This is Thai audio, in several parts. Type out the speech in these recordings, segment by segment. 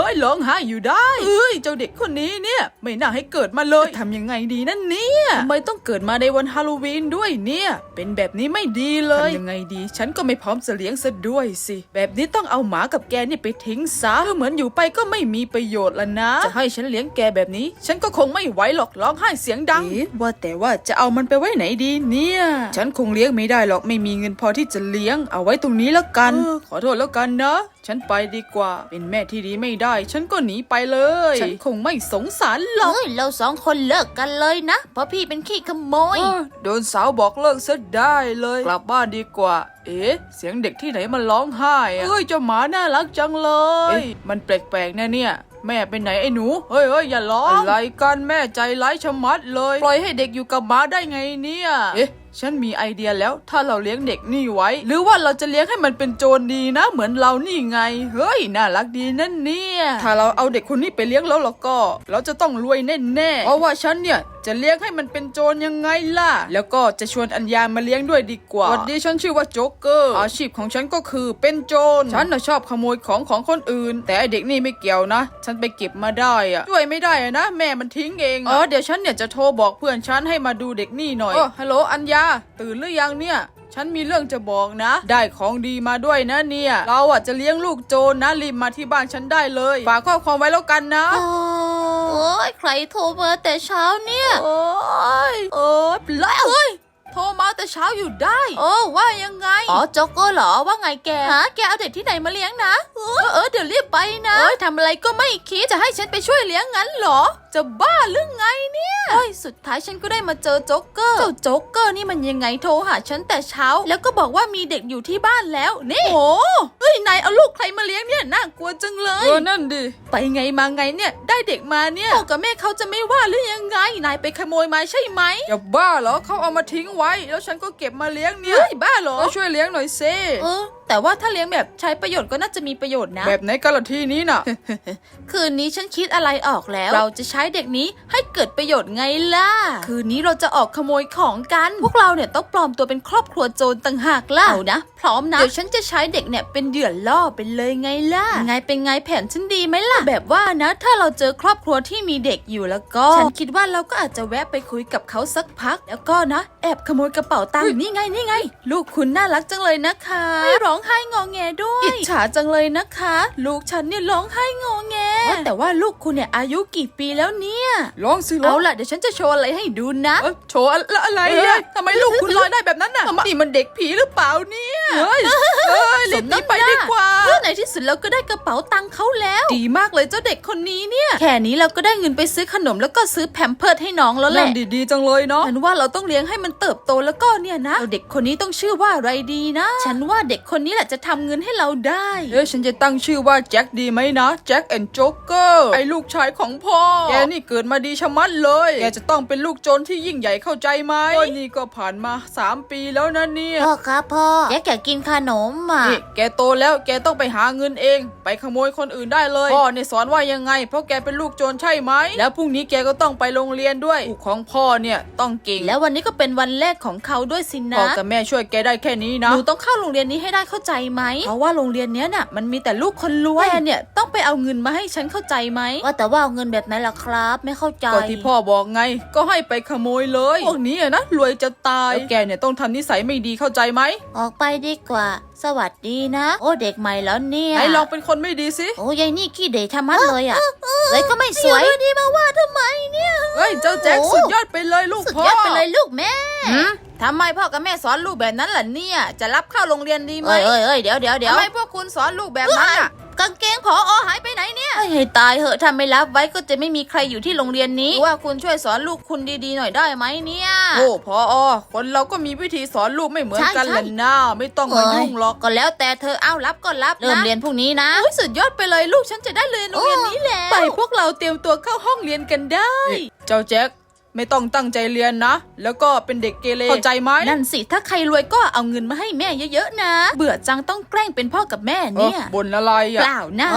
ยร้องไห้อยู่ได้เจ้าเด็กคนนี้เนี่ยไม่น่าให้เกิดมาเลยทำยังไงดีนั่นเนี่ยทำไมต้องเกิดมาในวันฮาโลวีนด้วยเนี่ยเป็นแบบนี้ไม่ดีเลยทำยังไงดีฉันก็ไม่พร้อมจะเลี้ยงซะด้วยสิแบบนี้ต้องเอาหมากับแกนี่ไปทิ้งซะเหมือนอยู่ไปก็ไม่มีประโยชน์ละนะจะให้ฉันเลี้ยงแกแบบนี้ฉันก็คงไม่ไหวหรอกร้องไห้เสียงดังว่าแต่ว่าจะเอามันไปไว้ไหนดีเนี่ยฉันคงเลี้ยงไม่ได้หรอกไม่มีเงินพอที่จะเลี้ยงเอาไว้ตรงนี้แล้วกันขอโทษแล้วกันนะฉันไปดีกว่าเป็นแม่ที่ดีไม่ได้ฉันก็หนีไปเลยฉันคงไม่สงสารหรอกเราสองคนเลิกกันเลยนะเพราะพี่เป็นขี้ขโมยโดนสาวบอกเลิกซะได้เลยกลับบ้านดีกว่าเสียงเด็กที่ไหนมันร้องไห้เจ้าหมาน่ารักจังเลยมันแปลกๆนะเนี่ยแม่ไปไหนไอ้หนูเฮ้ยอย่าร้องอะไรกันแม่ใจร้ายชะมัดเลยปล่อยให้เด็กอยู่กับหมาได้ไงเนี่ยฉันมีไอเดียแล้วถ้าเราเลี้ยงเด็กนี่ไว้หรือว่าเราจะเลี้ยงให้มันเป็นโจรดีนะเหมือนเรานี่ไงเฮ้ยน่ารักดีนั่นเนี่ยถ้าเราเอาเด็กคนนี้ไปเลี้ยงแล้วก็เราจะต้องรวยแน่ๆเพราะว่าฉันเนี่ยจะเลี้ยงให้มันเป็นโจรยังไงล่ะแล้วก็จะชวนอัญญามาเลี้ยงด้วยดีกว่าสวัสดีฉันชื่อว่าโจ๊กเกอร์อาชีพของฉันก็คือเป็นโจรฉันน่ะชอบขโมยของคนอื่นแต่ไอเด็กนี่ไม่เกี่ยวนะฉันไปเก็บมาได้ช่วยไม่ได้นะแม่มันทิ้งเองเดี๋ยวฉันเนี่ยจะโทรบอกเพื่อนฉันให้มาดูเด็กนี่หน่อยฮัลโหลอัญญาตื่นหรือยังเนี่ยฉันมีเรื่องจะบอกนะได้ของดีมาด้วยนะเนี่ยเราจะเลี้ยงลูกโจรนะรีบมาที่บ้านฉันได้เลยฝากข้อความไว้แล้วกันนะโอ้ยใครโทรมาแต่เช้าเนี่ยโอ้ยแล้วโทรมาแต่เช้าอยู่ได้ว่ายังไงโจ๊กเกอร์เหรอว่าไงแกแกเอาเด็กที่ไหนมาเลี้ยงนะเดี๋ยวรีบไปนะทำอะไรก็ไม่คิดจะให้ฉันไปช่วยเลี้ยงงั้นเหรอจะบ้าหรือไงเนี่ยสุดท้ายฉันก็ได้มาเจอโจ๊กเกอร์เจ้าโจ๊กเกอร์นี่มันยังไงโทรหาฉันแต่เช้าแล้วก็บอกว่ามีเด็กอยู่ที่บ้านแล้วนี่โอ้นายเอาลูกใครมาเลี้ยงเนี่ยน่ากลัวจังเลยนั่นดิไปไงมาไงเนี่ยได้เด็กมาเนี่ยพ่อกับแม่เขาจะไม่ว่าหรือยังไงนายไปขโมยมาใช่ไหมอย่าบ้าเหรอเขาเอามาทิ้งไว้แล้วฉันก็เก็บมาเลี้ยงเนี่ยบ้าเหรอช่วยเลี้ยงหน่อยเซ่แต่ว่าถ้าเลี้ยงแบบใช้ประโยชน์ก็น่าจะมีประโยชน์นะแบบไหนกันล่ะที่นี้น่ะคืนนี้ฉันคิดอะไรออกแล้วเราจะใช้เด็กนี้ให้เกิดประโยชน์ไงล่ะคืนนี้เราจะออกขโมยของกันพวกเราเนี่ยต้องปลอมตัวเป็นครอบครัวโจรต่างหากล่ะเอานะพร้อมนะเดี๋ยวฉันจะใช้เด็กเนี่ยเป็นเหยื่อล่อไปเลยไงล่ะไงเป็นไงแผนฉันดีไหมล่ะแบบว่านะถ้าเราเจอครอบครัวที่มีเด็กอยู่แล้วก็ฉันคิดว่าเราก็อาจจะแวะไปคุยกับเขาสักพักแล้วก็นะแอบขโมยกระเป๋าตังค์นี่ไงลูกคุณน่ารักจังเลยนะคะไม่ร้องไห้งอแงด้วยอิจฉาจังเลยนะคะลูกฉันเนี่ยร้องไห้งอแงแต่ว่าลูกคุณเนี่ยอายุกี่ปีแล้วเนี่ยร้องสิเอาล่ะเดี๋ยวฉันจะโชว์อะไรให้ดูนะโชว์อะไรทำไมลูกคุณลอยได้แบบนั้นน่ะนี่มันเด็กผีหรือเปล่าเนี่ยรีบหนีไปดีกว่าในที่สุดเราก็ได้กระเป๋าตังค์เขาแล้วดีมากเลยเจ้าเด็กคนนี้เนี่ยแค่นี้เราก็ได้เงินไปซื้อขนมแล้วก็ซื้อแพมเพิร์สให้น้องแล้วแหละดีจังเลยเนาะฉันว่าเราต้องเลี้ยงให้มันเติบโตแล้วก็เนี่ยนะเด็กคนนี้ต้องชื่อว่าอะไรดีนะฉันว่าเด็กคนนี้แหละจะทำเงินให้เราได้ฉันจะตั้งชื่อว่าแจ็คดีไหมนะแจ็คแอนด์โจ๊กเกอร์ไอ้ลูกชายของพ่อแกนี่เกิดมาดีชะมัดเลยแกจะต้องเป็นลูกโจรที่ยิ่งใหญ่เข้าใจไหมนี่ก็ผ่านมา3 ปีแล้วนะเนี่ยพ่อครับพ่อแจ็คอยากกินขนมนี่แกโตแล้วแกต้องไปหาเงินเองไปขโมยคนอื่นได้เลยพ่อเนี่ยสอนว่ายังไงเพราะแกเป็นลูกโจรใช่ไหมแล้วพรุ่งนี้แกก็ต้องไปโรงเรียนด้วยลูกของพ่อเนี่ยต้องเก่งแล้ววันนี้ก็เป็นวันแรกของเขาด้วยสินะพ่อกับแม่ช่วยแกได้แค่นี้นะหนูต้องเข้าโรงเรียนนี้ให้ได้เข้าใจไหมเพราะว่าโรงเรียนนี้น่ะมันมีแต่ลูกคนรวยแม่เนี่ยต้องไปเอาเงินมาให้ฉันเข้าใจไหมว่าแต่ว่าเอาเงินแบบไหนล่ะครับไม่เข้าใจก็ที่พ่อบอกไงก็ให้ไปขโมยเลยพวกนี้นะรวยจะตายแล้วแกเนี่ยต้องทำนิสัยไม่ดีเข้าใจไหมออกไปดีกว่าสวัสดีนะโอ้เด็กใหม่แล้วเนี่ยไหนลองเป็นคนไม่ดีสิโอ้ยายนี่ขี้เด็กทำมัดเลยเลยก็ไม่สวยดีมาว่าทำไมเนี่ยเจ้าแจ็คสุดยอดไปเลยลูกพ่อสุดยอดไปเลยลูกแม่ทำไมพ่อกับแม่สอนลูกแบบนั้นล่ะเนี่ยจะรับเข้าโรงเรียนดีไหมเดี๋ยวทำไมพวกคุณสอนลูกแบบนั้นอ่ะกางเกงผอ.หายไปไหนเนี่ยให้ตายเหอะถ้าไม่รับไว้ก็จะไม่มีใครอยู่ที่โรงเรียนนี้ว่าคุณช่วยสอนลูกคุณดีๆหน่อยได้ไหมเนี่ยโอ้ผอ.คนเราก็มีวิธีสอนลูกไม่เหมือนกันแหละนะไม่ต้องมายุ่งหรอกก็แล้วแต่เธอเอารับก็รับเริ่มเรียนพรุ่งนี้นะสุดยอดไปเลยลูกฉันจะได้เรียนโรงเรียนนี้แล้วไปพวกเราเตรียมตัวเข้าห้องเรียนกันได้เจ้าแจ็คไม่ต้องตั้งใจเรียนนะแล้วก็เป็นเด็กเกเรเข้าใจไหมนั่นสิถ้าใครรวยก็เอาเงินมาให้แม่เยอะๆนะเบื่อจังต้องแกล้งเป็นพ่อกับแม่เนี่ยบ่นอะไรเปล่านะ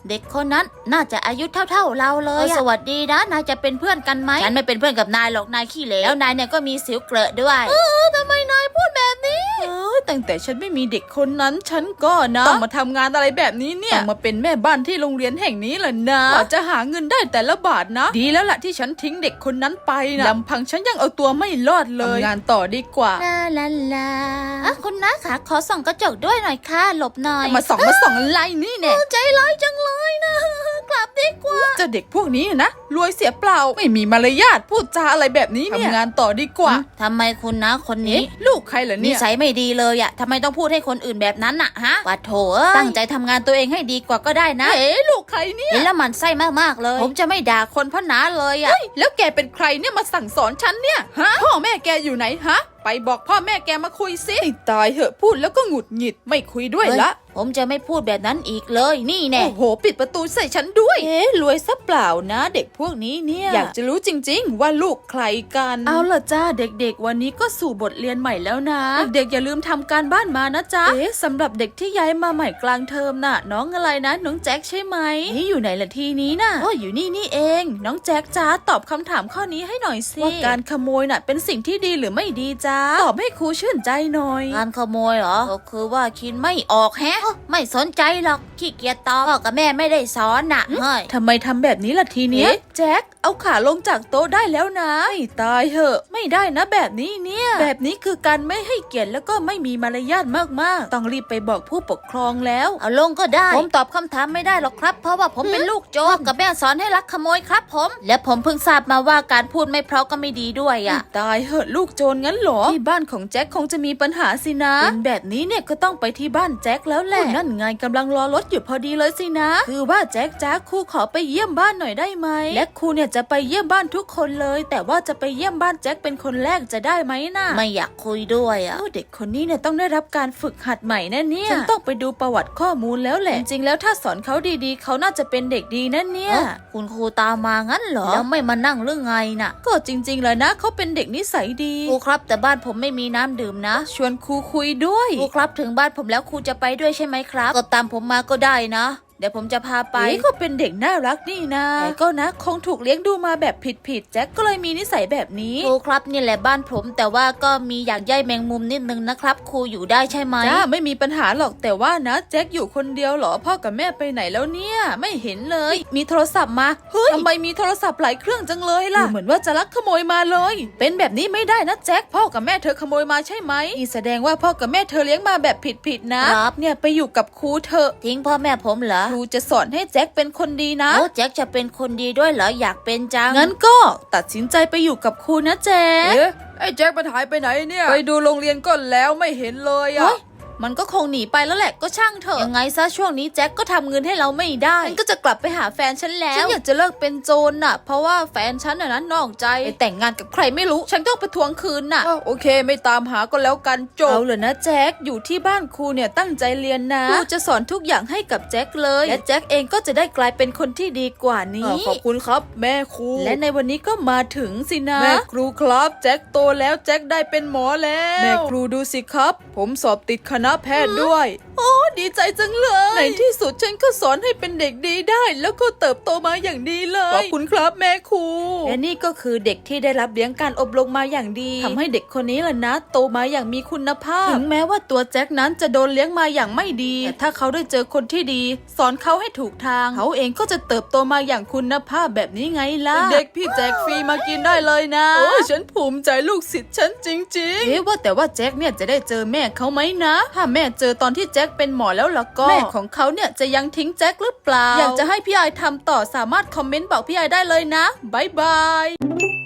เด็กคนนั้นน่าจะอายุเท่าๆเราเลยสวัสดีนะนายจะเป็นเพื่อนกันไหมฉันไม่เป็นเพื่อนกับนายหรอกนายขี้เหลวแล้วนายเนี่ยก็มีสิวเกลอะด้วยทำไมนายพูดแบบนี้ตั้งแต่ฉันไม่มีเด็กคนนั้นฉันก็นะต้องมาทำงานอะไรแบบนี้เนี่ยต้องมาเป็นแม่บ้านที่โรงเรียนแห่งนี้แหละนะกว่าจะหาเงินได้แต่ละบาทนะดีแล้วล่ะที่ฉันทิ้งเด็กคนนั้นไปนะลำพังฉันยังเอาตัวไม่รอดเลยทำงานต่อดีกว่าลาลาลาคุณน้าคะขอส่องกระจกด้วยหน่อยค่ะหลบหน่อยมาส่องอะไรนี่เนี่ยใจร้ายจังเลยนะกลับดีกว่าเจ้าเด็กพวกนี้นะรวยเสียเปล่าไม่มีมารยาทพูดจาอะไรแบบนี้เนี่ยทำงานต่อดีกว่าทำไมคุณน้าคนนี้ลูกใครเหรอเนี่ยนิสัยไม่ดีเลยอะทำไมต้องพูดให้คนอื่นแบบนั้นน่ะฮะว่าโถตั้งใจทำงานตัวเองให้ดีกว่าก็ได้นะลูกใครเนี่ยเห็นแล้วมันไส้มากๆเลยผมจะไม่ด่าคนพ่อน้าเลยอะแล้วแกเป็นใครเนี่ยมาสั่งสอนฉันเนี่ยฮะพ่อแม่แกอยู่ไหนฮะไปบอกพ่อแม่แกมาคุยสิตายเหอะพูดแล้วก็หงุดหงิดไม่คุยด้วยละผมจะไม่พูดแบบนั้นอีกเลยนี่แน่โอ้โหปิดประตูใส่ฉันด้วยรวยซะเปล่านะเด็กพวกนี้เนี่ยอยากจะรู้จริงๆว่าลูกใครกันเอาล่ะจ้าเด็กๆวันนี้ก็สู่บทเรียนใหม่แล้วนะเด็กๆอย่าลืมทำการบ้านมานะจ๊ะสำหรับเด็กที่ย้ายมาใหม่กลางเทอมน่ะน้องอะไรนะน้องแจ็คใช่ไหมนี่อยู่ไหนล่ะทีนี้น่ะอยู่นี่เองน้องแจ็คจ้าตอบคำถามข้อนี้ให้หน่อยสิว่าการขโมยน่ะเป็นสิ่งที่ดีหรือไม่ดีจ้าตอบให้ครูชื่นใจหน่อยการขโมยเหรอก็คือว่าคิดไม่ออกแฮะไม่สนใจหรอกขี้เกียจตอบพ่อกับแม่ไม่ได้สอนน่ะเฮ้ยทำไมทำแบบนี้ล่ะทีนี้แจ็คเอาขาลงจากโต๊ะได้แล้วนะตายเหอะไม่ได้นะแบบนี้เนี่ยแบบนี้คือการไม่ให้เกียรติแล้วก็ไม่มีมารยาทมากๆต้องรีบไปบอกผู้ปกครองแล้วเอาลงก็ได้ผมตอบคำถามไม่ได้หรอกครับเพราะว่าผมเป็นลูกโจรกับแม่สอนให้ลักขโมยครับผมและผมเพิ่งทราบมาว่าการพูดไม่เพราะก็ไม่ดีด้วยอ่ะตายเหอะลูกโจรงั้นเหรอที่บ้านของแจ็คคงจะมีปัญหาสินะเป็นแบบนี้เนี่ยก็ต้องไปที่บ้านแจ็คแล้วแหละนั่นไงกำลังรอรถอยู่พอดีเลยสินะคือว่าแจ็คจ้าครูขอไปเยี่ยมบ้านหน่อยได้ไหมและครูเนี่ยจะไปเยี่ยมบ้านทุกคนเลยแต่ว่าจะไปเยี่ยมบ้านแจ็คเป็นคนแรกจะได้ไหมนะไม่อยากคุยด้วยอ่ะเด็กคนนี้เนี่ยต้องได้รับการฝึกหัดใหม่แน่เนี่ยฉันต้องไปดูประวัติข้อมูลแล้วแหละจริงๆแล้วถ้าสอนเขาดีๆเขาน่าจะเป็นเด็กดีนั่นเนี่ยคุณครูตามมางั้นเหรอแล้วไม่มานั่งเรื่องไงน่ะก็จริงๆเลยนะเขาเป็นเด็กนิสัยดีครูครับแต่บ้านผมไม่มีน้ำดื่มนะชวนครูคุยด้วยครูครับถึงบ้านผมแล้วครูจะไปด้วยใช่ไหมครับก็ตามผมมาก็ได้นะเดี๋ยวผมจะพาไปก็เป็นเด็กน่ารักนี่นะแต่ก็นะคงถูกเลี้ยงดูมาแบบผิดแจ็คก็เลยมีนิสัยแบบนี้ครูครับนี่แหละบ้านผมแต่ว่าก็มีอยากใยแมงมุมนิดนึงนะครับครูอยู่ได้ใช่ไหมจ้าไม่มีปัญหาหรอกแต่ว่านะแจ็คอยู่คนเดียวเหรอพ่อกับแม่ไปไหนแล้วเนี่ยไม่เห็นเลยมีโทรศัพท์มาเฮ้ยทำไมมีโทรศัพท์หลายเครื่องจังเลยล่ะเหมือนว่าจะลักขโมยมาเลยเป็นแบบนี้ไม่ได้นะแจ็คพ่อกับแม่เธอขโมยมาใช่ไหมนี่แสดงว่าพ่อกับแม่เธอเลี้ยงมาแบบผิดนะครับเนี่ยไปอยู่กับครูเถอะทิ้งพ่อแม่ผมเหรอครูจะสอนให้แจ็คเป็นคนดีนะแจ็คจะเป็นคนดีด้วยเหรออยากเป็นจังงั้นก็ตัดสินใจไปอยู่กับครูนะแจ็คไอ้แจ็คมันหายไปไหนเนี่ยไปดูโรงเรียนก็แล้วไม่เห็นเลยอ่ะมันก็คงหนีไปแล้วแหละก็ช่างเถอะยังไงซะช่วงนี้แจ็คก็ทำเงินให้เราไม่ได้ฉันก็จะกลับไปหาแฟนฉันแล้วฉันอยากจะเลิกเป็นโจรน่ะเพราะว่าแฟนฉันน่ะนอกใจไปแต่งงานกับใครไม่รู้ฉันต้องไปทวงคืนน่ะโอเคไม่ตามหาก็แล้วกันจบเอาเลยนะแจ็คอยู่ที่บ้านครูเนี่ยตั้งใจเรียนนะครูจะสอนทุกอย่างให้กับแจ็คเลยและแจ็คเองก็จะได้กลายเป็นคนที่ดีกว่านี้ขอบคุณครับแม่ครูและในวันนี้ก็มาถึงสินะแม่ครูครับแจ็คโตแล้วแจ็คได้เป็นหมอแล้วแม่ครูดูสิครับผมสอบติดคณะแพทย์ด้วยโอ้ดีใจจังเลยในที่สุดฉันก็สอนให้เป็นเด็กดีได้แล้วก็เติบโตมาอย่างดีเลยขอบคุณครับแม่ครูและนี่ก็คือเด็กที่ได้รับเลี้ยงการอบรมมาอย่างดีทำให้เด็กคนนี้ล่ะนะโตมาอย่างมีคุณภาพถึงแม้ว่าตัวแจ็คนั้นจะโดนเลี้ยงมาอย่างไม่ดีแต่ถ้าเขาได้เจอคนที่ดีสอนเขาให้ถูกทางเขาเองก็จะเติบโตมาอย่างคุณภาพแบบนี้ไงล่ะเด็กพี่แจ็คฟรีมากินได้เลยนะโอ้ฉันภูมิใจลูกศิษย์ฉันจริงๆว่าแต่ว่าแจ็คเนี่ยจะได้เจอแม่เขาไหมนะถ้าแม่เจอตอนที่แจ็คเป็นหมอแล้วล่ะก็แม่ของเขาเนี่ยจะยังทิ้งแจ็คหรือเปล่าอยากจะให้พี่ไอทำต่อสามารถคอมเมนต์บอกพี่ไอได้เลยนะบ๊ายบาย